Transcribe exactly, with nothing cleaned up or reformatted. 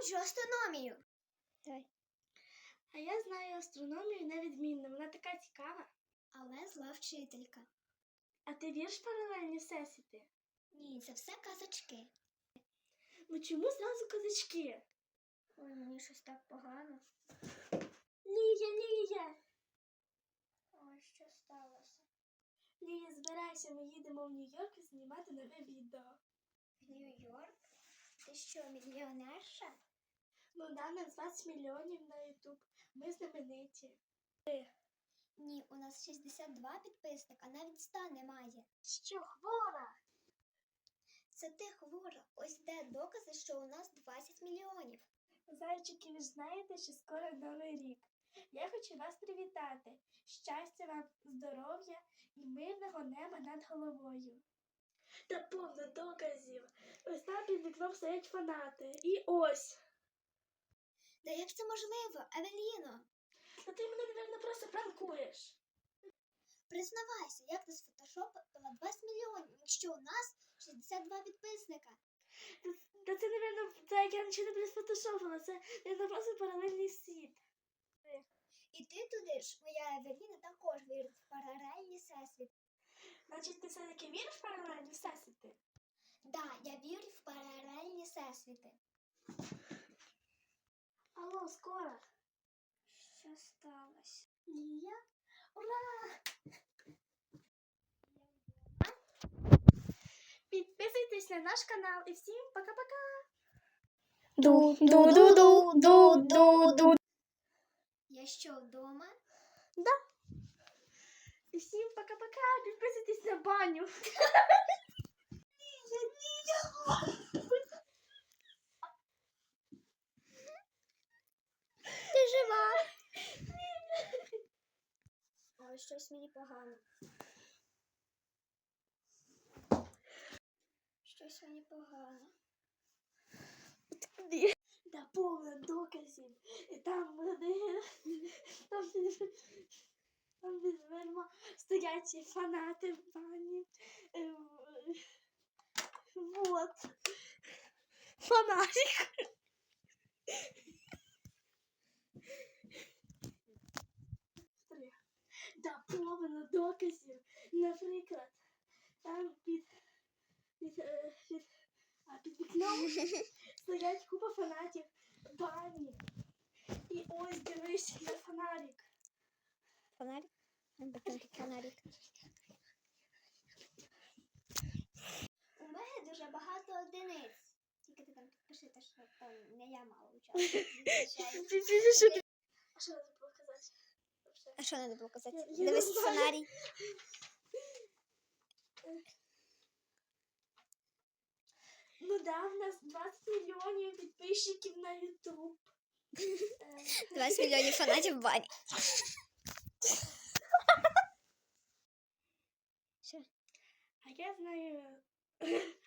ненавиджу астрономію. Давай. А я знаю астрономію невідмінно, вона така цікава. Але зла вчителька. А ти віриш в паралельні всесвіти? Ні, це все казочки. Ну чому зразу казачки? Ой, мені щось так погано. Лія, Лія! Ой, що сталося? Лія, збирайся, ми їдемо в Нью-Йорк знімати нове відео. В Нью-Йорк? Ти що, мільйонерша? Ну да, на двадцять мільйонів на Ютуб. Ми знамениті. Ні, у нас шістдесят два підписника, навіть ста немає. Що, хвора? Це ти хвора. Ось де докази, що у нас двадцять мільйонів. Зайчики, ви ж знаєте, що скоро Новий рік. Я хочу вас привітати. Щастя вам, здоров'я і мирного неба над головою. Та повно доказів. Ось там під вікном стоять фанати. І ось. Та як це можливо, Евеліно? Та ти мене, мабуть, просто пранкуєш. Признавайся, як ти сфотошопила двадцять мільйонів, якщо у нас шістдесят два підписника? Та це, мабуть, це як я нічого не присфотошопила. Це, мабуть, просто паралельний світ. І ти туди ж, моя Евеліна, також вірить в паралельні всесвіти. Значить, ти все-таки віриш в паралельні всесвіти? Да, я вірю в паралельні всесвіти. Алло, скоро. Що сталося? Лія? Ура! Підписуйтесь на наш канал і всім пока-пока! Ду-ду-ду-ду-ду-ду-ду. Я що, вдома? І всім пока-пока! Підписуйтесь на баню! Лія, Лія! Ти жива? Ой, щось мені погано. Щось мені погано. Да повно доказів. І там вони, там під, там під дверима стоять фанати в бані. Е, Вот. Фонарик. Да повно доказів. Наприклад, там під, під, е, під, а під вікном стоять купа фанатів бані. І ось дивись на фонарик. Фонарик? Фонарик. У мене дуже багато одиниць. Тільки ти там підпиши, те, що там не я мала участвувати. А що треба було казати? А що треба було казати? Я- я Дивись не знаю. сценарій. Ну да, в нас двадцять мільйонів підписчиків на Ютуб. двадцять мільйонів фанатів в бані. Що? А я знаю